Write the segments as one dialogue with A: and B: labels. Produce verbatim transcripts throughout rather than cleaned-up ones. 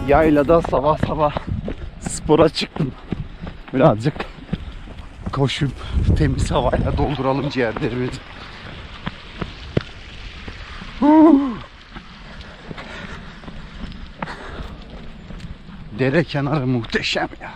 A: Yaylada sabah sabah spora çıktım. Birazcık koşup temiz havayla dolduralım ciğerlerimizi. Dere kenarı muhteşem ya.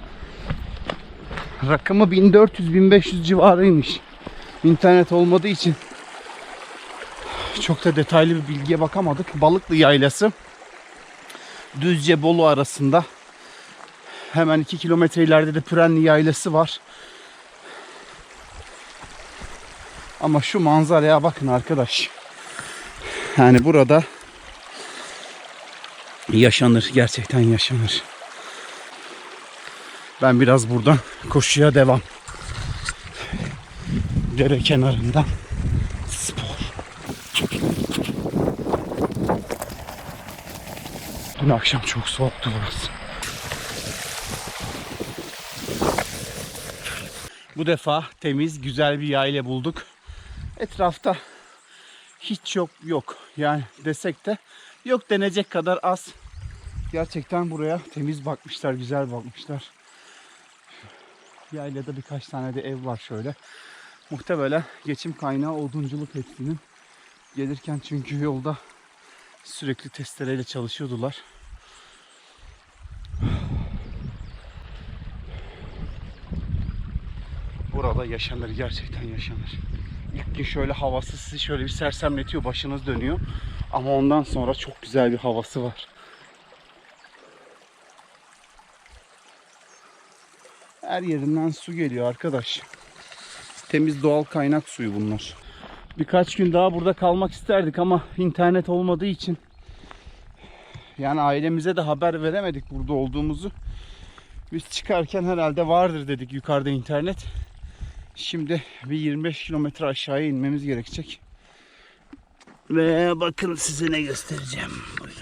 A: Rakımı bin dört yüz bin beş yüz civarıymış. İnternet olmadığı için çok da detaylı bir bilgiye bakamadık. Balıklı Yaylası Düzce Bolu arasında. Hemen iki kilometre ileride de Pürenli Yaylası var. Ama şu manzaraya bakın arkadaş. Yani burada yaşanır. Gerçekten yaşanır. Ben biraz buradan koşuya devam. Dere kenarından spor. Dün akşam çok soğuktu burası. Bu defa temiz, güzel bir yayla bulduk. Etrafta hiç yok yok. Yani desek de yok denecek kadar az. Gerçekten buraya temiz bakmışlar, güzel bakmışlar. Yaylada birkaç tane de ev var şöyle. Muhtemelen geçim kaynağı odunculuk hepsinin. Gelirken çünkü yolda sürekli testereyle çalışıyordular. Burada yaşanır, gerçekten yaşanır. İlk gün şöyle havası sizi şöyle bir sersemletiyor, başınız dönüyor. Ama ondan sonra çok güzel bir havası var. Her yerinden su geliyor arkadaş. Temiz doğal kaynak suyu bunlar. Birkaç gün daha burada kalmak isterdik ama internet olmadığı için yani ailemize de haber veremedik burada olduğumuzu. Biz çıkarken herhalde vardır dedik yukarıda internet. Şimdi bir yirmi beş kilometre aşağıya inmemiz gerekecek. Ve bakın size ne göstereceğim. Buyurun.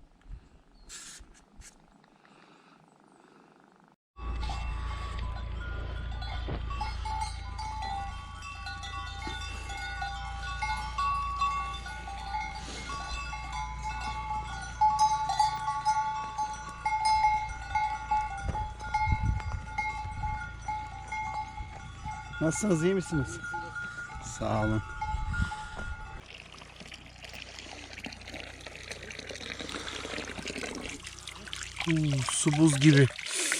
A: Nasılsınız, iyi misiniz? Sağ olun. Uu, su buz gibi.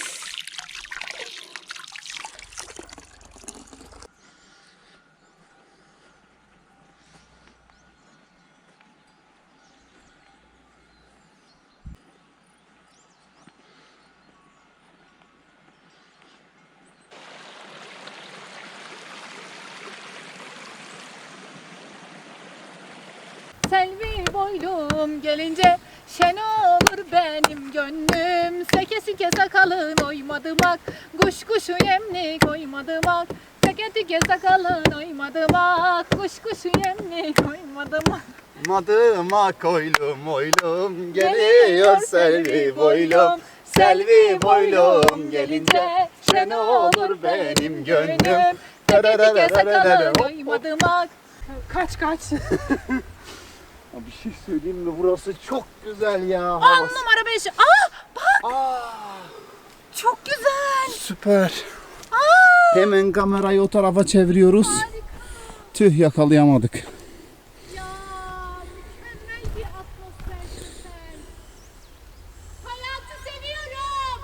B: Selvi boylum gelince şen olur benim gönlüm. Seke sike sakalın oymadım ak, kuş kuşu yemlik oymadım ak. Seke sike sakalın oymadım ak, kuş kuşu yemlik oymadım ak.
A: Madıma koylum oylum geliyor Selvi boylum. Selvi boylum gelince şen olur benim gönlüm.
B: Seke sike sakalın oymadım ak. Kaç kaç.
A: Bir şey söyleyeyim mi? Burası çok güzel ya.
B: On numara beş. Aa bak.
A: Aa,
B: Çok güzel.
A: süper.
B: Aa.
A: Hemen kamerayı o tarafa çeviriyoruz.
B: Harika.
A: Tüh, yakalayamadık.
B: Ya mükemmel bir atmosfer sen. Hayatı seviyorum.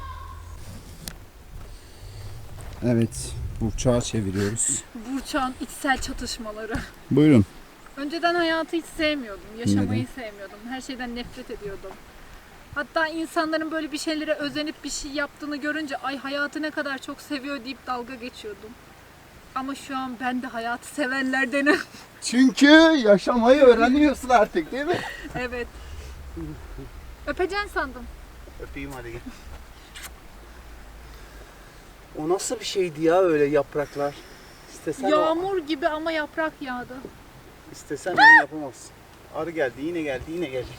A: Evet, Burçak'a çeviriyoruz.
B: Burçak'ın içsel çatışmaları.
A: Buyurun.
B: Önceden hayatı hiç sevmiyordum. Yaşamayı
A: Neden?
B: sevmiyordum. Her şeyden nefret ediyordum. Hatta insanların böyle bir şeylere özenip bir şey yaptığını görünce ay hayatı ne kadar çok seviyor deyip dalga geçiyordum. Ama şu an ben de hayatı sevenlerdenim.
A: Çünkü yaşamayı öğreniyorsun artık, değil mi?
B: Evet. Öpeceksin sandım.
A: Öpeyim hadi gel. O nasıl bir şeydi ya öyle yapraklar? İstesen
B: Yağmur gibi ama yaprak yağdı.
A: İstesen onu yapamazsın. Arı geldi, yine geldi, yine gelecek.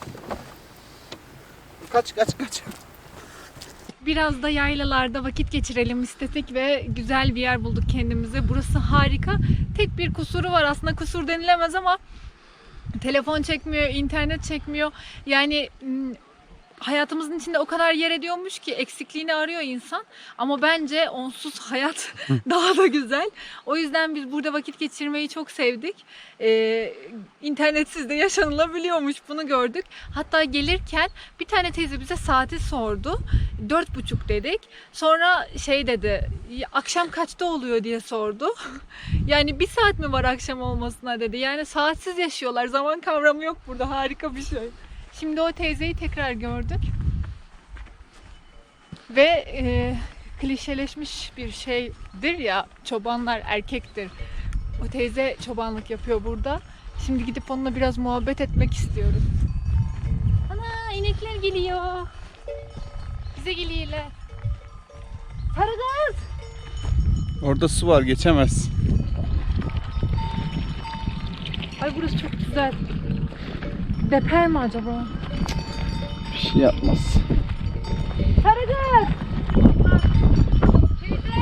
A: Kaç, kaç, kaç.
B: Biraz da yaylalarda vakit geçirelim istedik ve güzel bir yer bulduk kendimize. Burası harika. Tek bir kusuru var, aslında kusur denilemez ama telefon çekmiyor, internet çekmiyor. Yani hayatımızın içinde o kadar yer ediyormuş ki eksikliğini arıyor insan. Ama bence onsuz hayat daha da güzel. O yüzden biz burada vakit geçirmeyi çok sevdik. Ee, internetsiz de yaşanılabiliyormuş, bunu gördük. Hatta gelirken bir tane teyze bize saati sordu. Dört buçuk dedik. Sonra şey dedi, akşam kaçta oluyor diye sordu. Yani bir saat mi var akşam olmasına dedi. Yani saatsiz yaşıyorlar. Zaman kavramı yok burada. Harika bir şey. Şimdi o teyzeyi tekrar gördük. Ve e, klişeleşmiş bir şeydir ya, çobanlar erkektir. O teyze çobanlık yapıyor burada. Şimdi gidip onunla biraz muhabbet etmek istiyoruz. Ana, inekler geliyor. Bize geliyorlar. Sarı kız.
A: Orada su var, geçemez.
B: Ay burası çok güzel. Deper mi acaba?
A: Bir şey yapmaz.
B: Sarı kız. Teyze.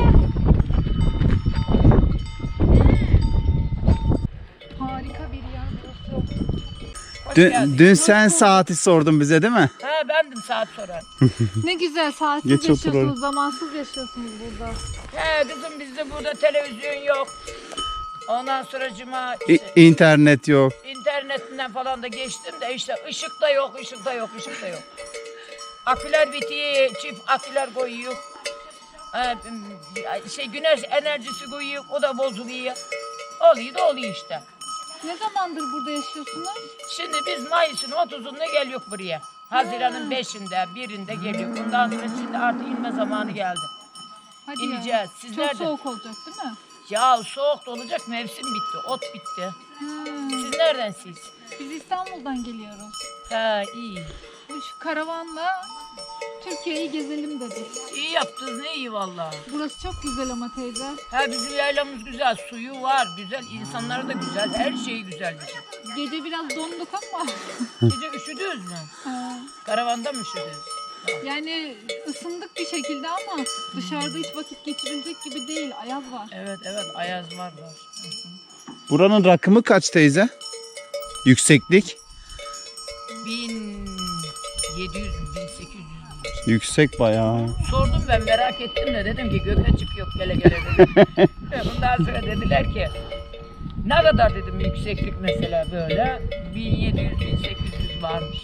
B: Harika bir yer burası.
A: Dün, dün sen saati sordun bize değil mi?
C: Ha bendim saat soran.
B: Ne güzel, saatsiz
A: Geç otur
B: yaşıyorsunuz,
A: oraya.
B: zamansız yaşıyorsunuz burada.
C: He kızım bizde burada televizyon yok. Ondan sonra cuma
A: İ-
C: işte,
A: internet yok.
C: internetinden falan da geçtim de işte ışık da yok, ışık da yok, ışık da yok. Aküler bitiyor, çift aküler koyuyor. Ha, şey güneş enerjisi koyuyor, o da bozuluyor. Oluyor da oluyor işte.
B: Ne zamandır burada yaşıyorsunuz?
C: Şimdi biz Mayıs'ın otuzunda geliyor buraya. Haziran'ın beşinde, birinde geliyor. Bundan sonra şimdi artık inme zamanı geldi.
B: Hadi
C: İneceğiz.
B: ya.
C: Siz
B: Çok
C: nerede?
B: soğuk olacak değil mi?
C: Ya soğuk da olacak, mevsim bitti, ot bitti.
B: Hmm.
C: Siz neredensiniz?
B: Biz İstanbul'dan geliyoruz.
C: Ha iyi.
B: Bu şu karavanla Türkiye'yi gezelim dedik.
C: İyi yaptınız, ne iyi valla.
B: Burası çok güzel ama teyze.
C: Ha bizim yaylamız güzel, suyu var, güzel, insanları da güzel, her şeyi güzel bizim.
B: Gece biraz donduk ama.
C: Gece üşüdünüz mü?
B: Ha.
C: Karavanda mı üşüdünüz?
B: Yani ısındık bir şekilde ama dışarıda hiç vakit geçirilecek gibi değil. Ayaz var.
C: Evet evet, ayaz var var. Hı hı.
A: Buranın rakımı kaç teyze? Yükseklik?
C: bin yedi yüz, bin sekiz yüz.
A: Yüksek bayağı.
C: Sordum ben, merak ettim de dedim ki göke çıkıyor gele gele dedim. Ondan sonra dediler ki ne kadar dedim yükseklik mesela böyle bin yedi yüz, bin sekiz yüz varmış.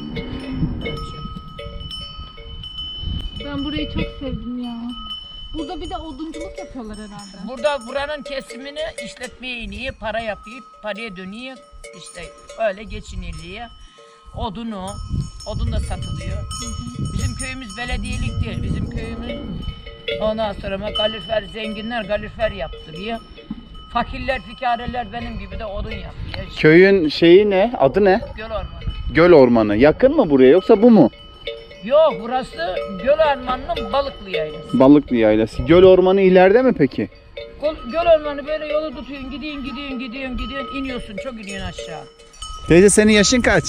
B: Ben burayı çok sevdim ya. Burada bir de odunculuk yapıyorlar herhalde.
C: Burada buranın kesimini işletmeye iniyor, para yapıyor, paraya dönüyor. İşte öyle geçiniliyor. Odunu, odun da satılıyor. Bizim köyümüz belediyelik değil. Bizim köyümüz ondan sonra kalorifer, zenginler kalorifer yaptırıyor. Fakirler, fikareler benim gibi de odun yapıyor. İşte
A: Köyün şeyi ne? Adı ne?
C: göl ormanı.
A: Göl ormanı. Yakın mı buraya yoksa bu mu?
C: Yok, burası göl ormanının Balıklı yaylası.
A: Balıklı yaylası. Göl ormanı ileride mi peki?
C: Göl, göl ormanı böyle yolu tutuyorsun, gidiyorsun, gidiyorsun, gidiyorsun, gidiyorsun, iniyorsun, çok iniyorsun aşağı.
A: Teyze senin yaşın kaç?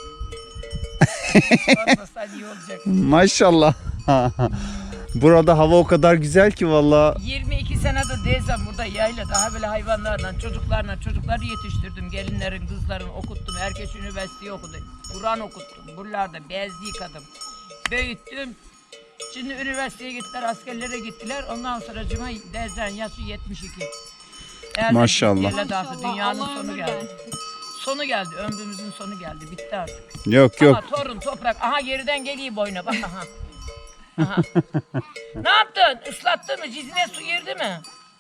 C: Olmasa iyi olacak.
A: Maşallah. Burada hava o kadar güzel ki valla.
C: yirmi iki senedir değilsem burada yayla daha böyle hayvanlarla, çocuklarla, çocukları yetiştirdim. Gelinlerin, kızların okuttum. Herkes üniversiteyi okudu. Kur'an okuttum. Buralarda bezli yıkadım. Büyüttüm. Şimdi üniversiteye gittiler, askerlere gittiler. Ondan sonra cuma dezen yaşı yetmiş iki. Eğer
A: Maşallah.
C: yerle dağıttı, dünyanın
B: Allah
C: sonu
B: ömür
C: geldi.
B: versin.
C: Sonu geldi, ömrümüzün sonu geldi. Bitti artık.
A: Yok yok.
C: Ama torun, toprak. Aha geriden geliyor boyuna bak aha. Aha. Ne yaptın? Islattın mı? Cizine su girdi mi?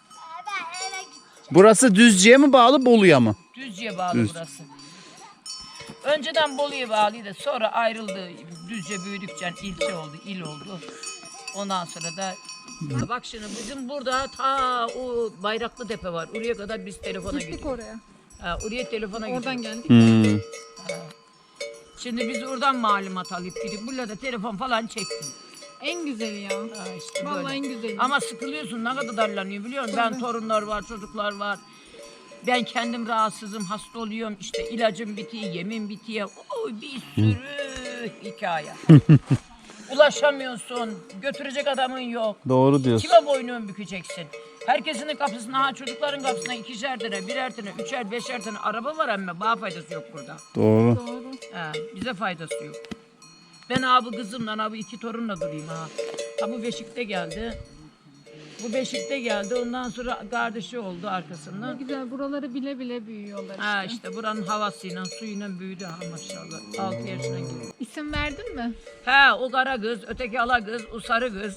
A: Burası Düzce'ye mi bağlı Bolu'ya mı?
C: Düzce'ye bağlı
A: Düz.
C: burası. Önceden Bolu'ya bağlıydı. Sonra ayrıldı. Düzce büyüdükçe ilçe oldu, il oldu. Ondan sonra da bak şimdi bizim burada ta o Bayraklı Tepe var. Oraya kadar biz telefona
B: Gittik
C: gidiyoruz.
B: oraya.
C: Ha, oraya telefona
B: Oradan
C: gidiyoruz.
B: geldik.
A: Hmm.
C: Şimdi biz oradan malumat alıp gidip burada da telefon falan çektim.
B: En güzeli ya.
C: Ha, işte
B: Vallahi
C: böyle.
B: en güzeli.
C: Ama sıkılıyorsun, ne kadar darlanıyor biliyor musun? Ben
B: Tabii.
C: torunlar var, çocuklar var. Ben kendim rahatsızım, hasta oluyorum. İşte ilacım bitiyor, yemin bitiyor. Oy, bir sürü hikaye. Ulaşamıyorsun, götürecek adamın yok.
A: Doğru diyorsun.
C: Kime boynunu bükeceksin? Herkesinin kapısına, ha çocukların kapısına ikişer tane, birer tane, üçer, beşer tane araba var ama bana faydası yok burada.
A: Doğru.
B: Doğru.
C: Ha, bize faydası yok. Ben abi kızımla abi iki torunla durayım ha. Ha bu Beşik'te geldi. Bu Beşik'te geldi. Ondan sonra kardeşi oldu
B: Ne
C: arkasından.
B: güzel, buraları bile bile büyüyorlar işte.
C: Ha işte buranın havasıyla suyuyla büyüdü ha maşallah. altı yaşına girdi.
B: İsim verdin mi?
C: He o kara kız, öteki ala kız, o sarı kız.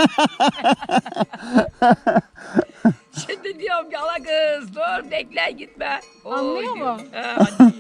C: Şimdi diyorum ki ala kız dur bekle gitme. Oo,
B: Anlıyor
C: diyor.
B: mu?
C: He hadi.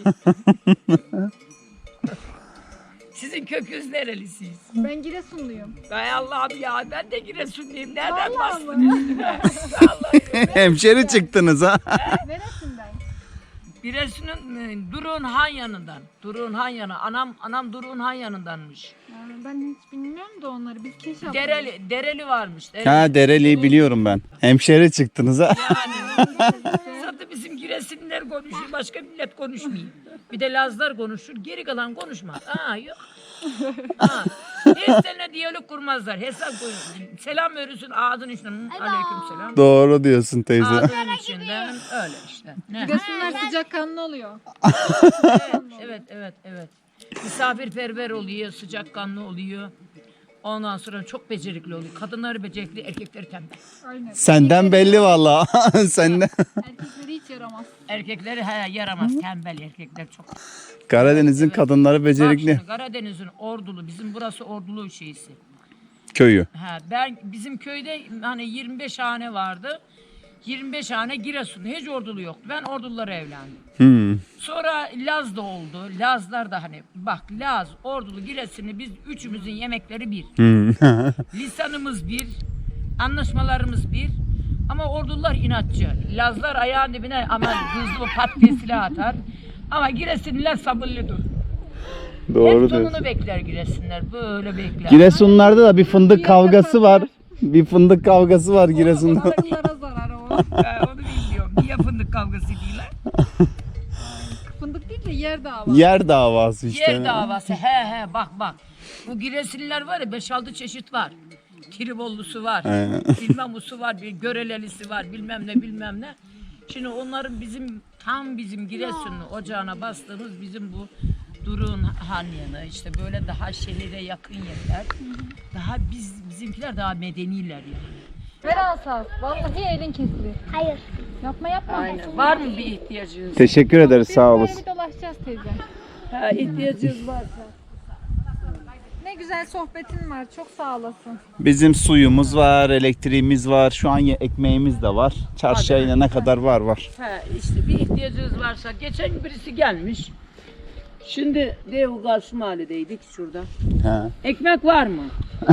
C: Sizin kökünüz nerelisiyiz?
B: Ben Giresunluyum.
C: Ay Allah'ım ya ben de Giresunluyum. Nereden
B: Vallahi
C: bastın
B: mı?
C: üstüme? Vallahi.
A: Hemşeri çıktınız ha.
B: Neresinden?
C: Giresun'un e, Durun Han yanından. Durun Han yanı. Anam anam Durun Han yanındanmış.
B: Yani ben hiç bilmiyorum da onları. Biz keş yaptık.
C: Dereli Dereli varmış. Dereli.
A: Ha Dereli'yi biliyorum ben. Hemşeri çıktınız ha.
C: Yani zaten bizim Giresunlular konuşur, başka millet konuşmuyor. Bir de Lazlar konuşur, geri kalan konuşmaz. Aa yok. Aa. Hiç seninle diyalog kurmazlar. Hesap koyun. Selam verirsin ağzın içinden. Aleyküm selam.
A: Doğru diyorsun teyze.
C: Ağzının içinden öyle işte. Ne?
B: Giresunlar sıcakkanlı oluyor.
C: Evet, evet, evet, evet. Misafirperver oluyor, sıcakkanlı oluyor. Ondan sonra çok becerikli oluyor. Kadınları becerikli, erkekleri tembel.
B: Aynen.
A: Senden belli valla. Senden.
B: Erkekleri hiç yaramaz.
C: Erkekleri he, yaramaz, tembel erkekler çok.
A: Karadeniz'in
C: Evet.
A: kadınları
C: Bak
A: becerikli.
C: şimdi Karadeniz'in Ordulu, bizim burası Ordulu şeysi.
A: Köyü.
C: Ha, ben bizim köyde hani yirmi beş hane vardı. yirmi beş hane Giresun. Hiç Ordulu yoktu. Ben Ordululara evlendim.
A: Hmm.
C: Sonra Laz da oldu. Lazlar da hani bak Laz, Ordulu, Giresun'u biz üçümüzün yemekleri bir.
A: Hmm.
C: Lisanımız bir. Anlaşmalarımız bir. Ama Ordulular inatçı. Lazlar ayağın dibine ama hızlı pat diye silah atar. Ama Giresunlular sabırlıdır.
A: Doğru
C: Hep
A: diyorsun.
C: sonunu bekler Giresunlar. Böyle bekler.
A: Giresunlarda da bir fındık kavgası var. Bir fındık kavgası var Giresun'da.
B: Balıklara zarar o.
C: Ha, onu bilmiyorum. Niye fındık kavgası diyorlar?
B: Fındık değil de yer davası.
A: Yer davası işte.
C: Yer davası. He he bak bak. Bu Giresunlular var ya beş altı çeşit var. Tribollusu var.
A: He.
C: Bilmem usu var. Bir görelelisi var. Bilmem ne bilmem ne. Şimdi onların bizim tam bizim Giresunlu ocağına bastığımız bizim bu Durun Han yanı işte böyle daha şehire yakın yerler. Daha biz bizimkiler daha medeniler yani.
B: Ver asas. Vallahi elin kesilir.
D: Hayır.
B: Yapma yapma.
C: Var mı bir ihtiyacınız?
A: Teşekkür ederiz
B: Biz
A: sağ
B: böyle
A: olasın.
B: bir dolaşacağız teyze.
C: Ha, ihtiyacınız varsa.
B: Ne güzel sohbetin var. Çok sağ olasın.
A: Bizim suyumuz var, elektriğimiz var, şu an ye- ekmeğimiz de var. Çarşıya inene kadar var var.
C: Ha, işte bir ihtiyacınız varsa geçen gün birisi gelmiş. Şimdi Dev Karşı Mahalle'deydik şurada.
A: He.
C: Ekmek var mı?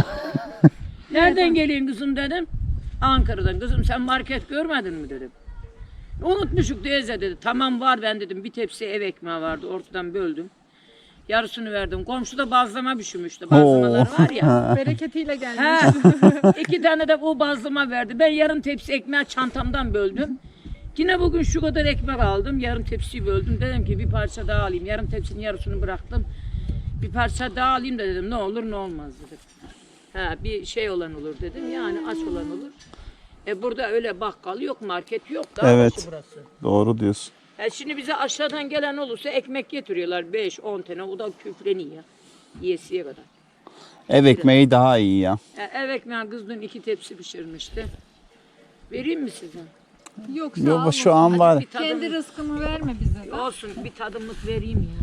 C: Nereden geliyorsun kızım dedim. Ankara'dan. Kızım sen market görmedin mi dedim. Unutmuşuk teyze dedi. Tamam var ben dedim. Bir tepsi ev ekmeği vardı. Ortadan böldüm. Yarısını verdim. Komşuda bazlama pişirmişti. Bazlamalar var ya.
B: Bereketiyle gelmiş.
C: Ha, iki tane de o bazlama verdi. Ben yarım tepsi ekmeği çantamdan böldüm. Yine bugün şu kadar ekmek aldım. Yarım tepsiyi böldüm. Dedim ki bir parça daha alayım. Yarım tepsinin yarısını bıraktım. Bir parça daha alayım da dedim. Ne olur ne olmaz dedim. Ha, bir şey olan olur dedim. Yani aç olan olur. E burada öyle bakkal yok, market yok. Daha
A: Evet.
C: başı burası.
A: Doğru diyorsun.
C: E şimdi bize aşağıdan gelen olursa ekmek getiriyorlar. beş on tane. O da küfleniyor. Yesiye kadar.
A: Ev ekmeği daha iyi ya.
C: E, ev ekmeği kız dün iki tepsi pişirmişti. Vereyim mi size?
B: Yok sağ
A: Yok
B: ol.
A: şu an var.
C: Bir tadım,
B: Kendi rızkını verme bize. de.
C: olsun bir tadımlık vereyim ya.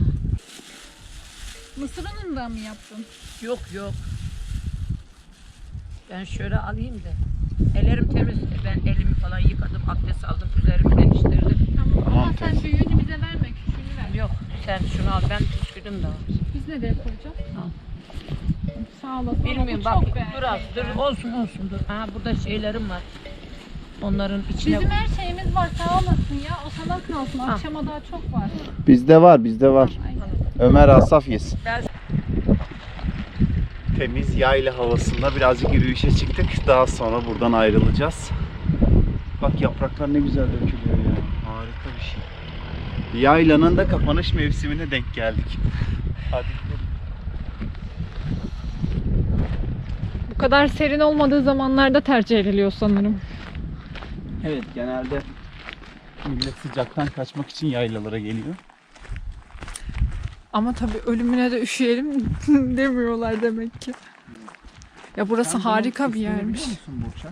B: Mısır unundan mı yaptın?
C: Yok yok. Ben şöyle alayım da. Ellerim temiz. Ben elimi falan yıkadım, abdest aldım, üzerimi değiştirdim.
B: Tamam. Ama sen büyüğünü bize verme. Küçüğünü ver.
C: Yok sen şunu al, ben püskürdüm daha.
B: Biz nereye koyacağız?
C: Al.
B: Sağ olasın. Ama
C: Bilmiyorum
B: bu
C: bak
B: çok beğendim.
C: dur az dur olsun olsun dur. Ha burada şeylerim var. Onların içine
B: Bizim her şeyimiz var sağ olasın ya. O sana kalsın.
C: Ha.
B: Akşama daha çok var.
A: Bizde var, bizde var. Ömer Asaf yesin.
C: Ben-
A: Temiz yayla havasında birazcık yürüyüşe çıktık. Daha sonra buradan ayrılacağız. Bak yapraklar ne güzel dökülüyor ya. Harika bir şey. Yaylanın da kapanış mevsimine denk geldik. Hadi gidelim.
B: Bu kadar serin olmadığı zamanlarda tercih ediliyor sanırım.
A: Evet, genelde millet sıcaktan kaçmak için yaylalara geliyor.
B: Ama tabii ölümüne de üşüyelim demiyorlar demek ki. Ya burası
A: Sen bunun
B: harika bir
A: ismini
B: yermiş.
A: biliyor musun Burçak?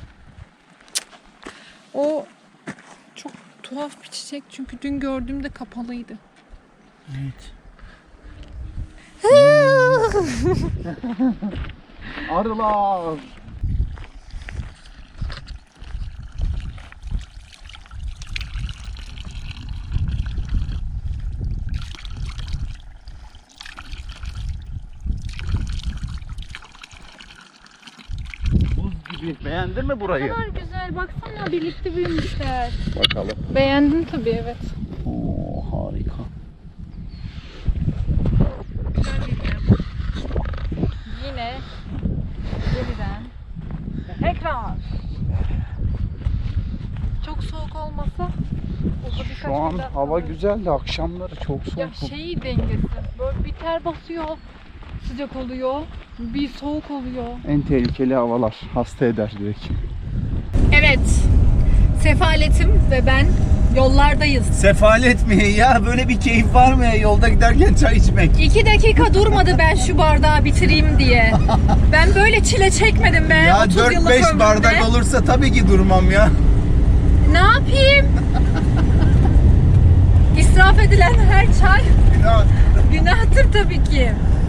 B: O çok tuhaf bir çiçek çünkü dün gördüğümde kapalıydı.
A: Evet. Arılar. Buz gibi. Beğendin mi burayı?
B: Ne kadar güzel, baksana birlikte büyümüşler.
A: Bakalım.
B: Beğendim tabii, evet.
A: Oo, harika.
B: Yine yeniden tekrar. Çok soğuk olmasa burada birkaç
A: Şu an
B: gün daha
A: hava
B: kalırız.
A: güzel de akşamları çok soğuk.
B: Ya şey dengesi, böyle bir ter basıyor, sıcak oluyor, bir soğuk oluyor.
A: En tehlikeli havalar. Hasta eder direkt.
B: Evet, Sefaletim ve ben yollardayız.
A: Sefalet mi ya? Böyle bir keyif var mı ya yolda giderken çay içmek?
B: İki dakika durmadı ben şu bardağı bitireyim diye. Ben böyle çile çekmedim be.
A: Ya
B: otuz
A: dört
B: yıllık
A: beş
B: ömrümde.
A: bardak olursa tabii ki durmam ya.
B: Ne yapayım? İsraf edilen her çay günahtır tabii ki.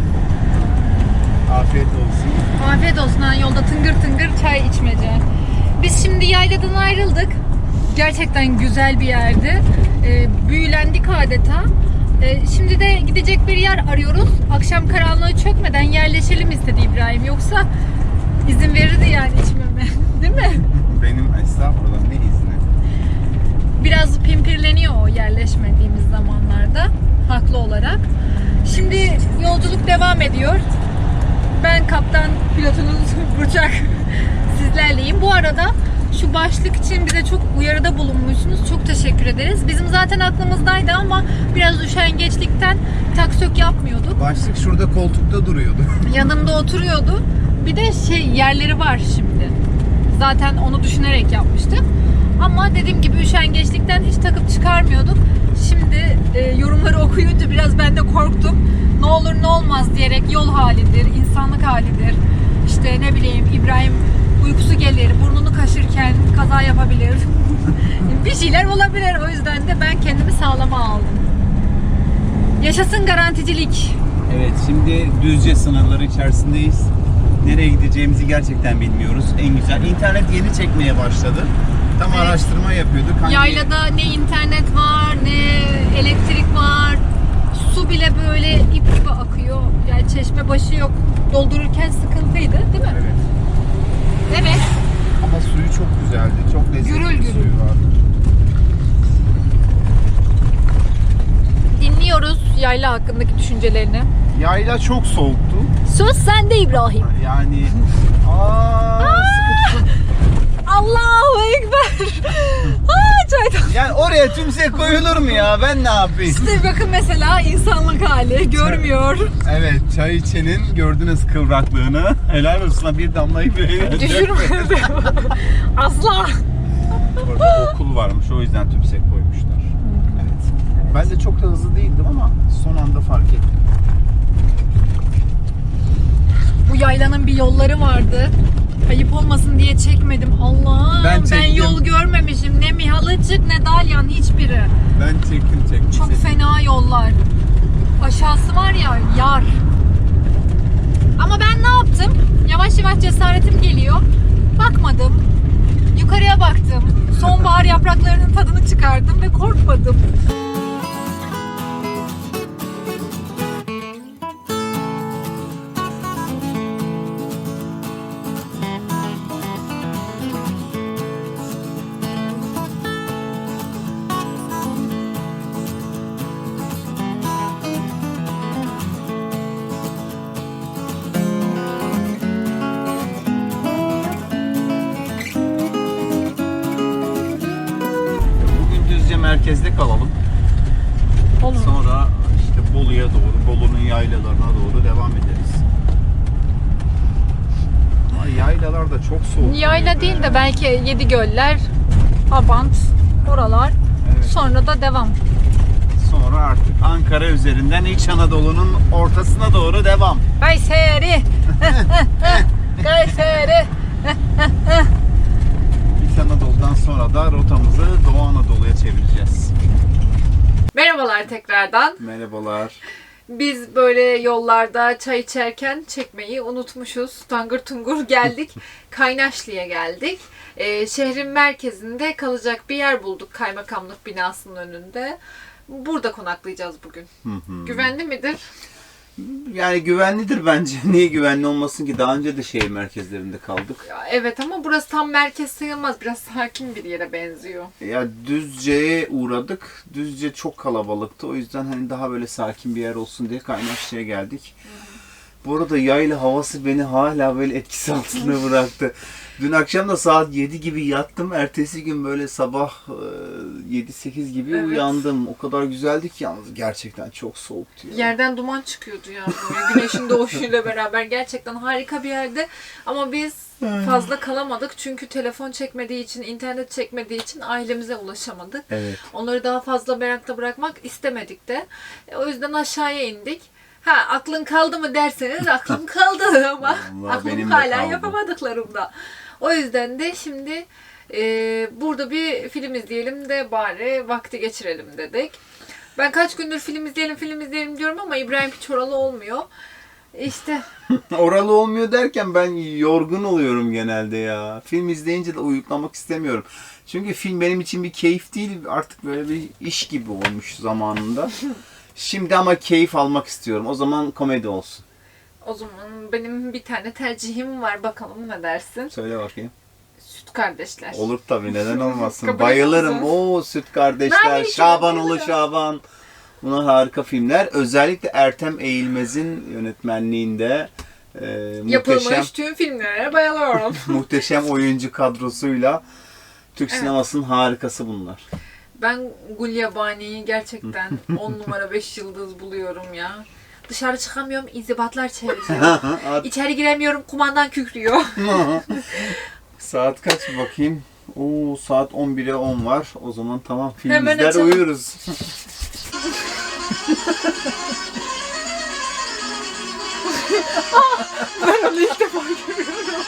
A: Afiyet olsun.
B: Afiyet olsun, ha, yolda tıngır tıngır çay içmece. Biz şimdi yayladan ayrıldık. Gerçekten güzel bir yerdi. Ee, büyülendik adeta. Ee, şimdi de gidecek bir yer arıyoruz. Akşam karanlığı çökmeden yerleşelim istedi İbrahim. Yoksa izin verirdi yani içmeme. Değil mi?
A: Benim estağfurullah ne izni?
B: Biraz pimpirleniyor o yerleşmediğimiz zamanlarda. Haklı olarak. Şimdi yolculuk devam ediyor. Ben kaptan, pilotunuz Burçak sizlerleyim. Bu arada şu başlık için bize çok uyarıda bulunmuşsunuz. Çok teşekkür ederiz. Bizim zaten aklımızdaydı ama biraz üşengeçlikten taksök yapmıyorduk.
A: Başlık şurada koltukta duruyordu.
B: Yanımda oturuyordu. Bir de şey yerleri var şimdi. Zaten onu düşünerek yapmıştık. Ama dediğim gibi üşengeçlikten hiç takıp çıkarmıyorduk. Şimdi e, yorumları okuyunca biraz ben de korktum. Ne olur ne olmaz diyerek yol halidir, insanlık halidir. İşte ne bileyim İbrahim uykusu gelir, burnunu kaşırken kaza yapabilir. Bir şeyler olabilir. O yüzden de ben kendimi sağlama aldım. Yaşasın garanticilik.
A: Evet, şimdi Düzce sınırları içerisindeyiz. Nereye gideceğimizi gerçekten bilmiyoruz. En güzel. İnternet yeni çekmeye başladı. Tam
B: Evet.
A: araştırma yapıyorduk. Hangi...
B: Yaylada ne internet var, ne elektrik var. Su bile böyle ip gibi akıyor. Yani çeşme başı yok. Doldururken sıkıntıydı, değil mi?
A: Evet.
B: Evet.
A: Ama suyu çok güzeldi. Çok lezzetli
B: Gürül
A: bir
B: gürül.
A: suyu vardı.
B: Dinliyoruz yayla hakkındaki düşüncelerini.
A: Yayla çok soğuktu.
B: Söz sende İbrahim.
A: Yani aa, sıkı tutun.
B: Allahu Ekber. Aa, çaydan.
A: Yani oraya tümsek koyulur mu ya? Ben ne yapayım?
B: İşte bakın mesela insanlık hali görmüyor.
A: Evet, çay içenin gördünüz kıvraklığını. Helal olsun, bir damlayı bile
B: Düşürmedi. Asla.
A: Orada okul varmış, o yüzden tümsek koymuşlar. Evet. Ben de çok da hızlı değildim ama son anda fark ettim.
B: Bu yaylanın bir yolları vardı. Ayıp olmasın diye çekmedim. Allah'ım
A: Ben
B: ben,
A: çektim.
B: yol görmemişim. Ne Mihalıcık ne Dalyan, hiçbiri.
A: Ben çektim çektim.
B: Çok fena yollar. Aşağısı var ya yar. Ama ben ne yaptım? Yavaş yavaş cesaretim geliyor. Bakmadım. Yukarıya baktım. Sonbahar yapraklarının tadını çıkardım ve korkmadım.
A: Bugün Düzce merkezde kalalım.
B: Olur.
A: Sonra işte Bolu'ya doğru, Bolu'nun yaylalarına doğru devam ederiz. Ama yaylalar da çok soğuk.
B: Yayla değil de belki Yedigöller, Abant, oralar.
A: Evet.
B: Sonra da devam.
A: sonra artık Ankara üzerinden İç Anadolu'nun ortasına doğru devam.
C: Kayseri. Kayseri.
A: İç Anadolu'dan sonra da rotamızı Doğu Anadolu'ya çevireceğiz.
B: Merhabalar tekrardan.
A: Merhabalar.
B: Biz böyle yollarda çay içerken çekmeyi unutmuşuz. Tangır tungur geldik. Kaynaşlı'ya geldik. Ee, şehrin merkezinde kalacak bir yer bulduk kaymakamlık binasının önünde. Burada konaklayacağız bugün.
A: Hı hı.
B: Güvenli midir?
A: Yani güvenlidir bence. Niye güvenli olmasın ki? Daha önce de şehir merkezlerinde kaldık.
B: Ya evet ama burası tam merkez sayılmaz. Biraz sakin bir yere benziyor.
A: Ya Düzce'ye uğradık. Düzce çok kalabalıktı. O yüzden hani daha böyle sakin bir yer olsun diye Kaynaşlı'ya geldik. Bu arada yayla havası beni hala böyle etkisi altında bıraktı. Dün akşam da saat yedi gibi yattım. Ertesi gün böyle sabah yedi sekiz gibi
B: Evet.
A: uyandım. O kadar güzeldi ki yalnız gerçekten çok soğuktu. Ya.
B: Yerden duman çıkıyordu ya böyle güneşin doğuşuyla beraber. Gerçekten harika bir yerde. Ama biz fazla kalamadık. Çünkü telefon çekmediği için, internet çekmediği için ailemize ulaşamadık.
A: Evet.
B: Onları daha fazla merakta bırakmak istemedik de. E, o yüzden aşağıya indik. Ha aklın kaldı mı derseniz aklım kaldı ama
A: Vallahi
B: aklım
A: benim de
B: hala
A: kaldı.
B: yapamadıklarımda. O yüzden de şimdi e, burada bir film izleyelim de bari vakti geçirelim dedik. Ben kaç gündür film izleyelim film izleyelim diyorum ama İbrahim hiç oralı olmuyor. İşte
A: Oralı olmuyor derken ben yorgun oluyorum genelde ya. Film izleyince de uyuklamak istemiyorum. Çünkü film benim için bir keyif değil, artık böyle bir iş gibi olmuş zamanında. Şimdi ama keyif almak istiyorum. O zaman komedi olsun.
B: o zaman benim bir tane tercihim var. Bakalım ne dersin?
A: Söyle bakayım.
B: Süt Kardeşler.
A: Olur tabii, neden olmasın.
B: Kabul
A: Bayılırım.
B: ediyorsun.
A: Oo, Süt Kardeşler,
B: Nerede
A: Şabanoğlu
B: bayılırım.
A: Şaban. Bunlar harika filmler. Özellikle Ertem Eğilmez'in yönetmenliğinde e, muhteşem,
B: Yapılmış tüm filmlere bayılıyorum.
A: muhteşem oyuncu kadrosuyla Türk
B: Evet.
A: sinemasının harikası bunlar.
B: Ben Gulyabani'yi gerçekten on numara beş yıldız buluyorum ya. Dışarı çıkamıyorum, inzibatlar çeviriyor. İçeri giremiyorum, kumandan kükrüyor.
A: Saat kaç bakayım? Oo, saat on bire on var. O zaman tamam, film
B: Hemen
A: izler
B: açalım.
A: uyuruz.
B: Ben onu ilk defa görüyorum.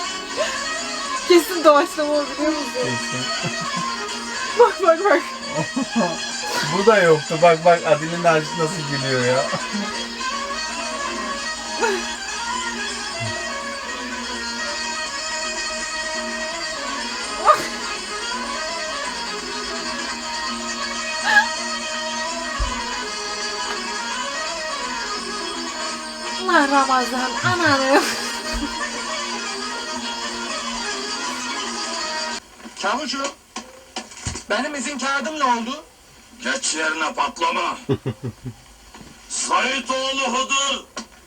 B: Kesin doğaçlama o, biliyor musun? Bak bak bak.
A: Bu da yoktu. Bak bak Adil'in Naci nasıl gülüyor ya.
B: Allah Ramazan, ananı.
D: Çavuşum, benim izin kağıdım ne oldu? Geç yerine patlama. Saitoğlu Hıdır.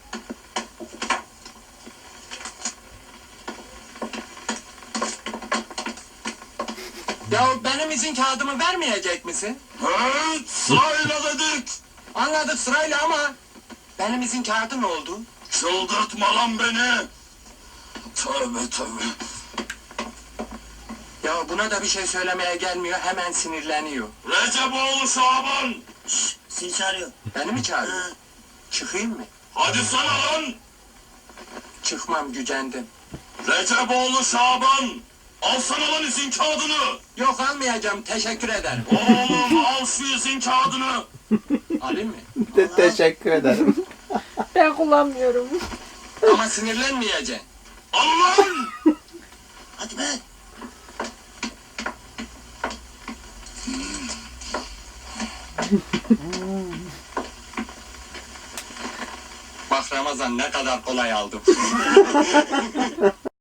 D: Ya benim izin kağıdımı vermeyecek misin? Evet, sırayla dedik. Anladık sırayla ama benim izin kağıdı ne oldu? Çıldırtma lan beni. Tövbe tövbe. Ya buna da bir şey söylemeye gelmiyor, hemen sinirleniyor. Receboğlu Şaban! Şşş, seni çağırıyor. Beni mi çağırıyor? Çıkayım mı? Hadi sana lan! Çıkmam, gücendim. Receboğlu Şaban! Alsana lan izin kağıdını! Yok almayacağım, teşekkür ederim. Oğlum al şu izin kağıdını! Alayım mı?
A: Te- teşekkür ederim.
B: Ben kullanmıyorum.
D: Ama sinirlenmeyeceksin. Al lan! Hadi be! Bak Ramazan ne kadar kolay aldım.